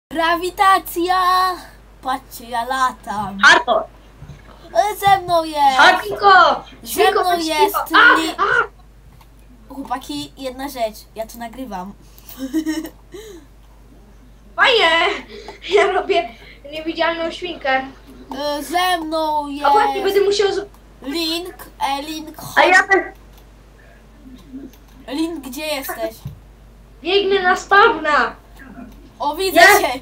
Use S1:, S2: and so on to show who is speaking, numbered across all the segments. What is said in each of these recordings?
S1: Grawitacja! Patrzcie, ja latam.
S2: Hardcore!
S1: Ze mną jest!
S2: Hardcore!
S1: Ze mną jest! Chłopaki, jedna rzecz. Ja to nagrywam.
S2: Fajnie! Ja robię niewidzialną świnkę.
S1: Ze mną jest...
S2: A właśnie będę musiał...
S1: Link, Link, chodź.
S2: A ja też
S1: Link, gdzie jesteś?
S2: biegnę na spawna!
S1: O, widzę cię!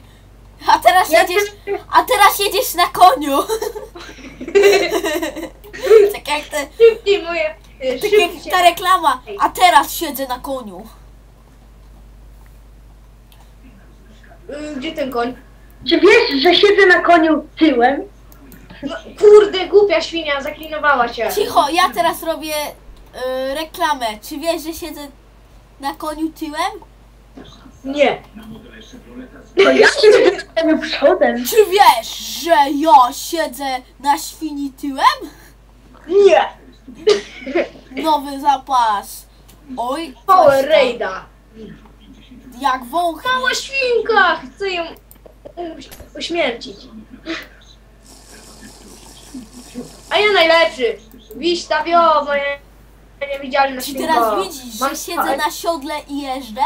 S1: A teraz jedziesz na koniu! Tak jak te...
S2: Szybciej moje...
S1: Tak jak ta reklama. A teraz siedzę na koniu.
S2: Gdzie ten koń?
S3: Czy wiesz, że siedzę na koniu tyłem?
S2: No, kurde, głupia świnia, zaklinowała się.
S1: Cicho, ja teraz robię reklamę. Czy wiesz, że siedzę na koniu tyłem?
S2: Nie.
S3: To ja siedzę na koniu przodem.
S1: Czy wiesz, że ja siedzę na świni tyłem?
S2: Nie.
S1: Nowy zapas. Oj,
S2: Power
S1: coś tam.
S2: Raida.
S1: Jak wąchnie.
S2: Mała świnka! Chcę ją uśmiercić. A ja najlepszy. Wiśta wio, moja niewidzialna
S1: Czy
S2: świnka.
S1: teraz widzisz,
S2: Mam
S1: że siedzę na siodle i jeżdżę?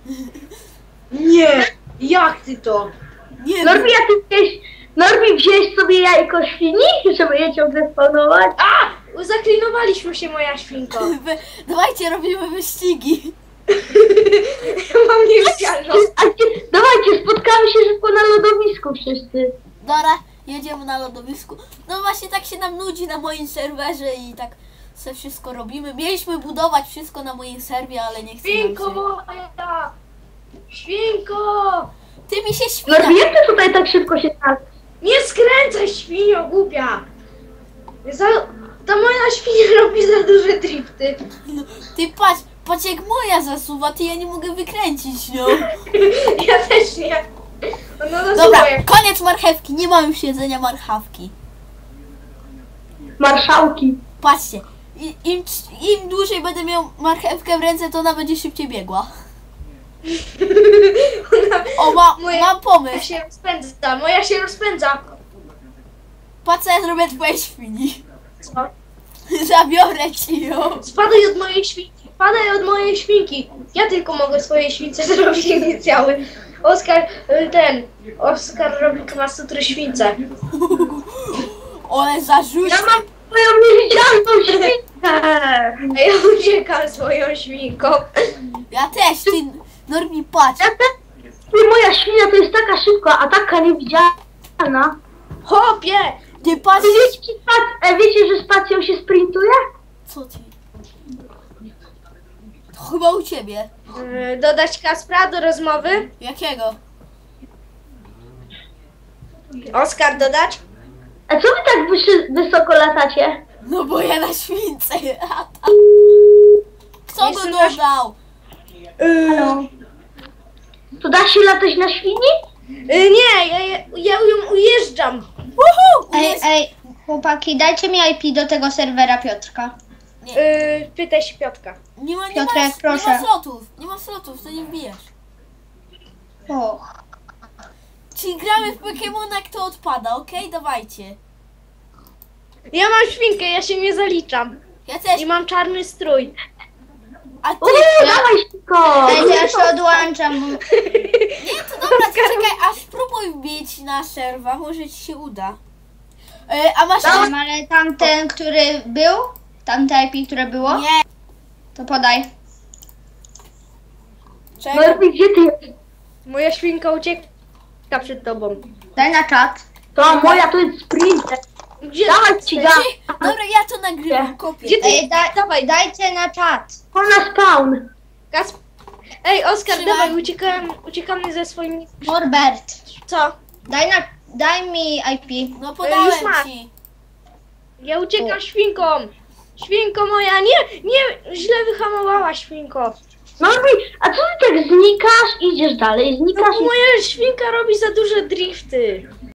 S2: Nie! Jak ty to?
S1: Nie
S3: Norbi, Norbi, wziąłeś sobie jajko świni, żeby je ciągle spawnować?
S2: A! Zaklinowaliśmy się, moja świnko.
S1: Dawajcie, robimy wyścigi.
S2: Mam niewidzialną.
S3: Dawajcie, spotkamy się szybko na lodowisku wszyscy.
S1: Dobra, jedziemy na lodowisku. No właśnie tak się nam nudzi na moim serwerze i tak sobie wszystko robimy. Mieliśmy budować wszystko na moim serwie, ale nie chcę nam
S2: Świnko
S1: się.
S2: moja! Świnko!
S1: Ty mi się świna.
S3: Norbi, jak ty tutaj tak szybko się znalazł?
S2: Nie skręcaj, świnio głupia! Ta moja świnia robi za duże drifty.
S1: Ty patrz jak moja zasuwa, ty ja nie mogę wykręcić, no.
S2: Ja też nie. No
S1: Dobra,
S2: słuchaj.
S1: koniec marchewki, nie ma już jedzenia marchawki.
S3: Marszałki.
S1: Patrzcie, im dłużej będę miał marchewkę w ręce, to ona będzie szybciej biegła. O, mam
S2: Moja
S1: pomysł.
S2: się rozpędza, moja się rozpędza.
S1: Patrz co ja zrobię twojej świni.
S2: Co?
S1: Zabiorę ci ją.
S2: Spadaj od mojej świnki, spadaj od mojej świnki. Ja tylko mogę swojej śwince zrobić inicjały. Oskar robi kmasutry śwince.
S1: Ole zarzuć.
S3: Ja mam twoją niewidzialną świnkę.
S2: A ja uciekam swoją świnką.
S1: Ja też, ty Normi, patrz.
S3: Ty, moja świnia to jest taka szybka, a taka niewidzialna.
S2: Hopie!
S1: Ty patrz.
S3: Wiecie, że spacją się sprintuje?
S1: Co ty? To chyba u ciebie.
S2: Dodać Kaspra do rozmowy?
S1: Jakiego?
S2: Oskar dodać?
S3: A co wy tak wysoko latacie?
S1: No bo ja na śwince latam. Kto go
S2: Jestem na-
S1: dodał?
S3: Halo? To da się latać na świni?
S2: Nie, ja ją ujeżdżam.
S1: Woohoo!
S4: Ej, chłopaki, dajcie mi IP do tego serwera Piotrka.
S2: Pytaj się Piotrka.
S1: Nie ma
S4: Piotrek, proszę.
S1: Nie ma slotów, to nie wbijesz.
S4: O,
S1: Czyli gramy w Pokemona, kto odpada, okej? Dawajcie.
S2: Ja mam świnkę, ja się nie zaliczam.
S1: Ja też.
S2: I mam czarny strój.
S1: A ty?
S3: Dawaj szybko!
S4: dajcie, ja się odłączam.
S1: Nie, to dobra, to czekaj, aż spróbuj wbić na serwa, może ci się uda. A masz...
S4: Ale tamten, który był? Tamte IP, które było?
S1: Nie,
S4: To podaj.
S1: czekaj.
S3: Norbi, gdzie ty jesteś?
S2: Moja świnka ucieka przed tobą.
S4: Daj na czat.
S3: To moja to jest sprinter.
S2: Gdzie?
S3: Dawaj ci da.
S1: Dobra, ja to nagrywam, kopię.
S2: Gdzie ty?
S4: Ej, dajcie na czat.
S3: To na spawn.
S2: Ej, Oskar,
S1: Trzymaj.
S2: dawaj, uciekamy ze swoimi...
S4: Norbert,
S2: Co?
S4: daj mi IP.
S1: No
S2: już
S1: podałem
S2: masz.
S1: ci.
S2: Ja uciekam świnką. Świnko moja, nie, źle wyhamowała świnko.
S3: Norbi, a co ty tak znikasz? Idziesz dalej,
S2: No,
S3: znikasz i...
S2: moja świnka robi za duże drifty.